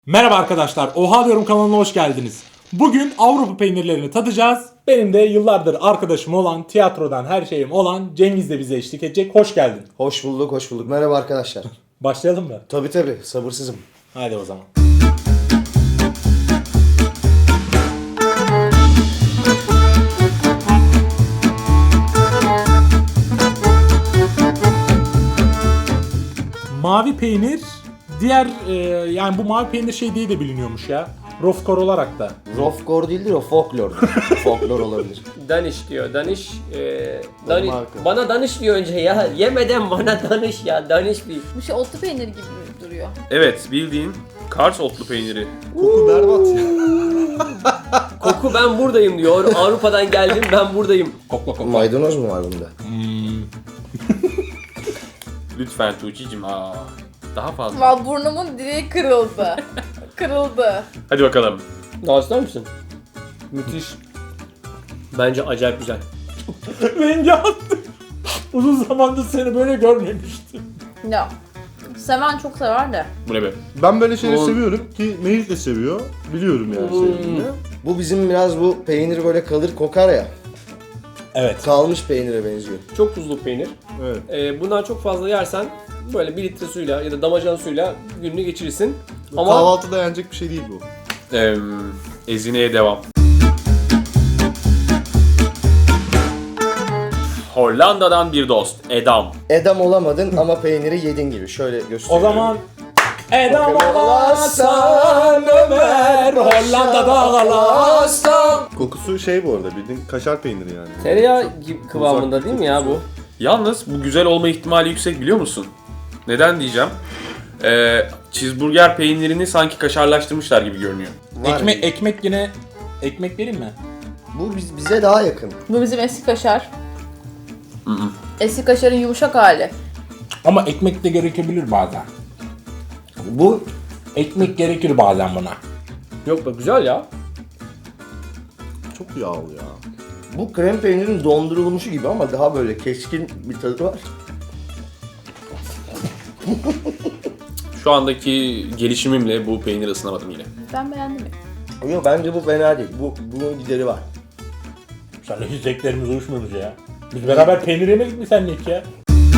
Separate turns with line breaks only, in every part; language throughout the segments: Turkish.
Merhaba arkadaşlar, Oha Diyorum kanalına hoş geldiniz. Bugün Avrupa peynirlerini tadacağız. Benim de yıllardır arkadaşım olan, tiyatrodan her şeyim olan Cengiz de bize eşlik edecek. Hoş geldin.
Hoş bulduk, hoş bulduk. Merhaba arkadaşlar.
Başlayalım mı?
Tabii, sabırsızım.
Hadi o zaman. Mavi peynir, diğer yani bu mavi peynir şey diye de biliniyormuş ya. Rofkor olarak da.
Rofkor değildir o, folklordur. Folklor olabilir.
Daniş diyor. Daniş,
marka.
bana danış diyor önce ya. Yemeden bana danış ya. Daniş bir.
Bu şey otlu peynir gibi duruyor.
Evet, bildiğin Kars otlu peyniri.
Koku berbat ya.
Koku ben buradayım diyor. Avrupa'dan geldim ben buradayım.
Kokla kokla.
Maydanoz mu var bunda?
Lütfen Tuğçe'cim. Daha fazla.
Vallahi burnumun direği kırıldı. Kırıldı.
Hadi bakalım.
Daha ister misin? Müthiş. Bence acayip güzel.
Rengi attı. Uzun zamandır seni böyle görmemiştim.
Ya. Seven çok sever de.
Bu ne be?
Ben böyle şeyleri seviyorum ki Melih de seviyor. Biliyorum yani sevdiğini.
Bu bizim biraz bu peynir böyle kalır kokar ya.
Evet.
Kalmış peynire benziyor.
Çok tuzlu peynir.
Evet.
Bundan çok fazla yersen böyle 1 litre suyla ya da damacan suyla gününü geçirirsin. Ama
Kahvaltıda yenecek bir şey değil bu.
Ezine'ye devam. Hollanda'dan bir dost. Edam.
Edam olamadın ama peyniri yedin gibi. Şöyle
O
gösteriyorum.
zaman Edam olasın Ömer, Hollanda'da kalasın.
Kokusu şey bu arada bildiğin kaşar peyniri yani.
tereyağı gibi kıvamında değil mi ya bu?
Yalnız bu güzel olma ihtimali yüksek biliyor musun? Neden diyeceğim? Cheeseburger peynirini sanki kaşarlaştırmışlar gibi görünüyor.
Var.
Ekmek yine ekmek vereyim mi?
Bu bize daha yakın.
Bu bizim eski kaşar. Eski kaşarın yumuşak hali.
Ama ekmek de gerekebilir bazen.
Bu
Ekmek gerekir bazen buna.
Yok be güzel ya.
Çok yağlı ya.
bu krem peynirin dondurulmuşu gibi ama daha böyle keskin bir tadı var.
Şu andaki gelişimimle bu peyniri ısınamadım yine.
Ben beğendim.
Yok bence bu fena değil. Bunun gideri var.
Seninle hiç zevklerimiz uyuşmuyormuş ya. Biz beraber peynir yemedik mi seninle hiç ya?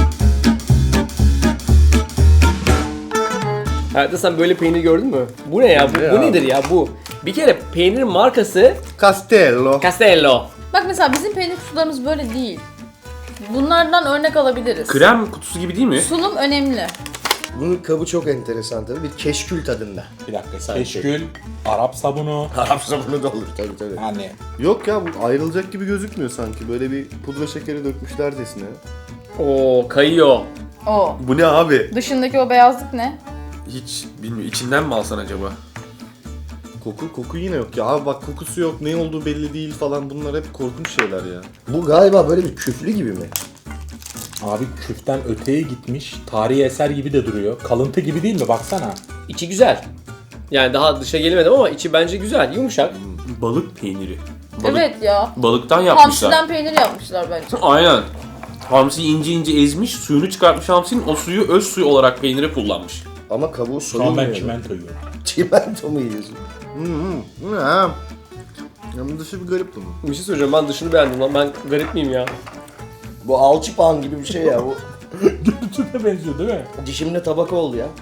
Hayatta sen böyle peynir gördün mü? Bu ne ya? Bu nedir ya bu? Bir kere peynirin markası
Castello.
Castello.
Bak mesela bizim peynir kutularımız böyle değil. Bunlardan örnek alabiliriz.
Krem kutusu gibi değil mi?
Sunum önemli.
Bunun kabı çok enteresan tabii. Bir keşkül tadında.
Bir dakika.
Sanki.
Keşkül, Arap sabunu.
Arap sabunu da olur tabii.
Yani
Yok ya bu ayrılacak gibi gözükmüyor sanki. Böyle bir pudra şekeri dökmüşlercesine.
Oo kayıyor.
O.
Bu ne abi?
Dışındaki o beyazlık ne?
Hiç bilmiyorum. İçinden mi alsan acaba?
Koku yine yok ya. Abi bak kokusu yok, ne olduğu belli değil falan. Bunlar hep korkunç şeyler ya.
Bu galiba böyle bir küflü gibi mi?
abi küften öteye gitmiş. Tarihi eser gibi de duruyor. Kalıntı gibi değil mi? Baksana.
İçi güzel. Yani daha dışa gelemedim ama içi bence güzel, yumuşak.
Balık peyniri. Balık,
Evet ya.
Balıktan yapmışlar.
Hamsiden peynir yapmışlar bence.
Aynen. Hamsi ince ezmiş, suyunu çıkartmış hamsinin, o suyu öz suyu olarak peynire kullanmış.
Ama kabuğu
Şu an
soyulmuyor.
ben çimento yiyorum.
Çimento mu yiyorsun?
Ya. Yanın dışı bir garip bunun.
Bir şey söyleyeceğim, ben dışını beğendim lan. Ben garip miyim ya?
Bu alçıpan gibi bir şey ya. Bu
Görüntüne benziyor değil mi?
dişimde tabaka oldu ya.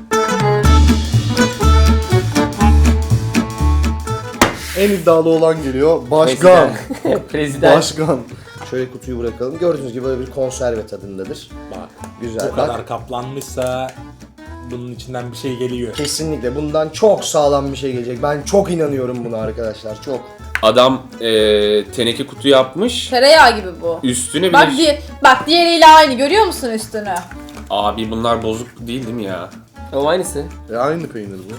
En iddialı olan geliyor. Başkan.
Prezident.
Başkan.
Şöyle kutuyu bırakalım. Gördüğünüz gibi böyle bir konserve tadındadır.
Bak.
Güzel.
Bu kadar
Bak,
kaplanmışsa bunun içinden bir şey geliyor.
kesinlikle bundan çok sağlam bir şey gelecek. Ben çok inanıyorum buna arkadaşlar. Çok.
Adam teneke kutu yapmış.
Tereyağı gibi bu.
Üstüne bir
Bak,
de...
bak diğeriyle aynı görüyor musun üstünü?
Abi bunlar bozuk değil mi ya?
Ama aynısı.
Aynı peynir bu.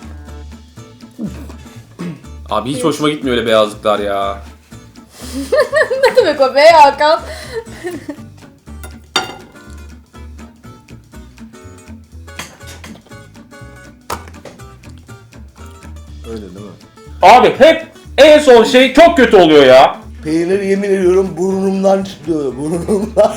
Abi hiç hoşuma gitmiyor öyle beyazlıklar ya.
Ne demek o be Hakan?
Öyle değil mi?
Abi hep en son şey çok kötü oluyor ya.
Peynir yemin ediyorum burnumdan çıkıyor. Burnumdan.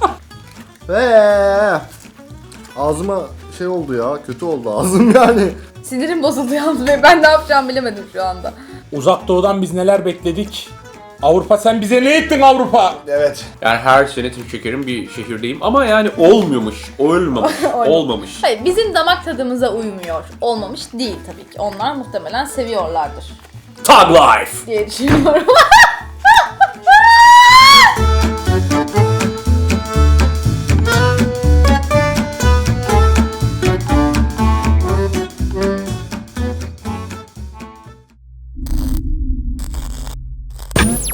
Ağzıma şey oldu ya, kötü oldu ağzım yani.
Sinirim bozuldu yalnız ve ben ne yapacağımı bilemedim şu anda.
Uzak Doğu'dan biz neler bekledik? Avrupa sen bize ne ettin Avrupa?
Evet.
Yani her sene Türk şekerim bir şehirdeyim ama yani olmuyormuş, olmamış, olmamış.
Hayır, bizim damak tadımıza uymuyor. Olmamış değil tabii ki. Onlar muhtemelen seviyorlardır
Tag Life!
diye düşünüyorum.